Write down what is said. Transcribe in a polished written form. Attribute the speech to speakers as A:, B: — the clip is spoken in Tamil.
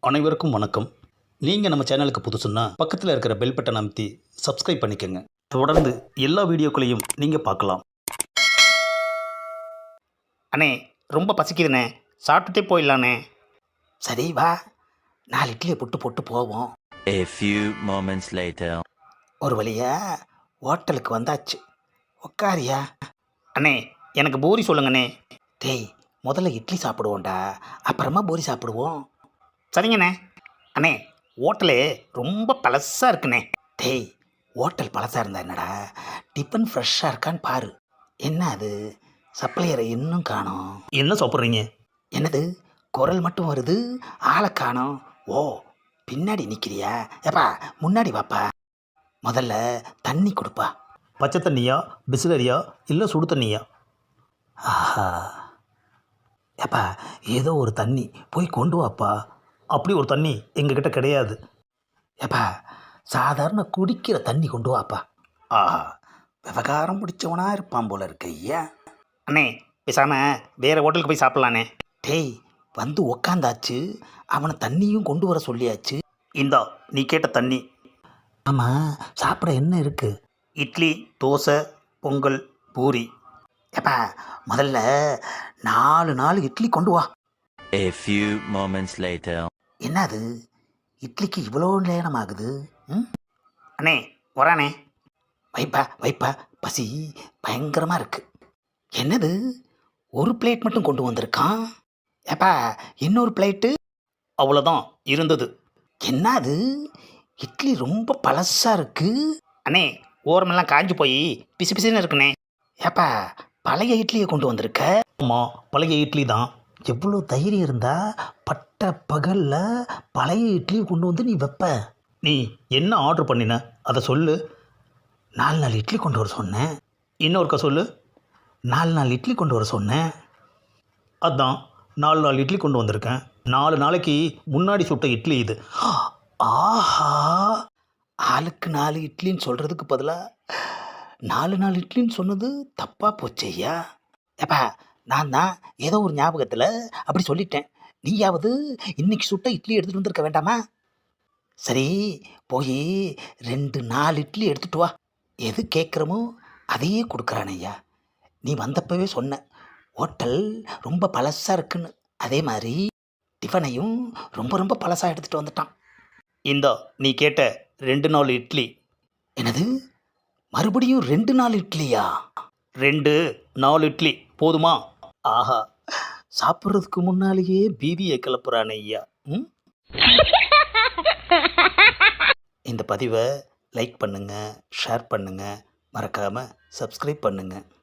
A: அனைவருக்கும் வணக்கம். நீங்கள் நம்ம சேனலுக்கு புதுசுன்னா பக்கத்தில் இருக்கிற பெல் பட்டன் அமைத்தி சப்ஸ்கிரைப் பண்ணிக்கோங்க. தொடர்ந்து எல்லா வீடியோக்களையும் நீங்கள் பார்க்கலாம்.
B: அண்ணே ரொம்ப பசிக்குதுண்ணே, சாப்பிட்டுட்டே போயிடலாண்ணே.
C: சரி வா, 4 இட்லியை போட்டு போவோம்.
D: A few moments later.
C: ஒரு வழியா ஹோட்டலுக்கு வந்தாச்சு. உட்காரியா?
B: அண்ணே எனக்கு பூரி சொல்லுங்கண்ணே.
C: டேய், முதல்ல இட்லி சாப்பிடுவோம்டா, அப்புறமா பூரி சாப்பிடுவோம்.
B: சரிங்கண்ணே. அண்ணே ஹோட்டலு ரொம்ப பழசாக இருக்குண்ணே.
C: டேய், ஹோட்டல் பழசாக இருந்தா என்னடா, டிஃபன் ஃப்ரெஷ்ஷாக இருக்கான்னு பாரு. என்ன அது, சப்ளையரை இன்னும் காணோம்.
A: என்ன சாப்பிட்றீங்க?
C: என்னது, குரல் மட்டும் வருது, ஆளை காணோம். ஓ, பின்னாடி நிற்கிறியா? ஏப்பா முன்னாடி வாப்பா. முதல்ல தண்ணி கொடுப்பா.
A: பச்சை தண்ணியா, பிஸ்லரியா, இல்லை சுடு தண்ணியா?
C: ஆஹா, ஏப்பா ஏதோ ஒரு தண்ணி போய் கொண்டு வாப்பா.
A: அப்படி ஒரு தண்ணி எங்ககிட்ட கிடையாது.
C: ஏப்பா சாதாரண குடிக்கிற தண்ணி கொண்டு வாப்பா. ஆஹா, விவகாரம் பிடிச்சவனா இருப்பான் போல இருக்க ஐயா.
B: அண்ணே பேசாமல் வேறு ஹோட்டலுக்கு போய் சாப்பிட்லாண்ணே.
C: டேய், வந்து உக்காந்தாச்சு, அவனை தண்ணியும் கொண்டு வர சொல்லியாச்சு.
A: இந்தா நீ கேட்ட தண்ணி.
C: ஆமாம், சாப்பிட என்ன இருக்கு?
A: இட்லி, தோசை, பொங்கல், பூரி.
C: ஏப்பா முதல்ல 4 இட்லி கொண்டு வா.
D: A few moments later.
C: என்னது, இட்லிக்கு இவ்வளோ நேரம் ஆகுது?
B: அண்ணே வரானே.
C: வைப்பா வைப்பா, பசி பயங்கரமாக இருக்கு. என்னது, ஒரு பிளேட் மட்டும் கொண்டு வந்திருக்கான். ஏப்பா இன்னொரு பிளேட்டு?
A: அவ்வளோதான் இருந்தது.
C: என்னது, இட்லி ரொம்ப பழசாக இருக்கு.
B: அண்ணே ஓரமெல்லாம் காஞ்சி போய் பிசு பிசுன்னு இருக்குண்ணே.
C: ஏப்பா பழைய இட்லியை கொண்டு வந்திருக்க.
A: ஆமாம், பழைய இட்லி தான்.
C: எவ்வளோ தைரியம் இருந்தா பட்ட பகலில் பழைய இட்லியை கொண்டு வந்து நீ வைப்ப?
A: நீ என்ன ஆர்டர் பண்ணின அதை சொல்லு.
C: 4 இட்லி கொண்டு வர சொன்னேன்.
A: இன்னொருக்கா சொல்லு.
C: 4 இட்லி கொண்டு வர சொன்னேன்.
A: அதான் 4 இட்லி கொண்டு வந்திருக்கேன். 4 நாளைக்கு முன்னாடி சுட்ட இட்லி இது.
C: ஆஹா, ஆளுக்கு 4 இட்லின்னு சொல்கிறதுக்கு பதிலாக 4 இட்லின்னு சொன்னது தப்பாக போச்சு ஐயா. ஏப்பா நான் தான் ஏதோ ஒரு ஞாபகத்தில் அப்படி சொல்லிட்டேன். நீயாவது இன்னைக்கு சுட்ட இட்லி எடுத்துகிட்டு வந்திருக்க வேண்டாமா? சரி, போய் 4 இட்லி எடுத்துகிட்டு வா. எது கேட்குறமோ அதையே கொடுக்குறான் ஐயா. நீ வந்தப்பவே சொன்ன ஹோட்டல் ரொம்ப பழசாக இருக்குன்னு. அதே மாதிரி டிஃபனையும் ரொம்ப பழசாக எடுத்துகிட்டு வந்துட்டான்.
A: இந்தா நீ கேட்ட 2 இட்லி.
C: என்னது, மறுபடியும் 2 இட்லியா?
A: 4 இட்லி போதுமா?
C: ஆஹா, சாப்பிட்றதுக்கு முன்னாலேயே பிபியை கிளப்புறான் ஐயா. இந்த பதிவை லைக் பண்ணுங்கள், ஷேர் பண்ணுங்கள், மறக்காமல் சப்ஸ்கிரைப் பண்ணுங்கள்.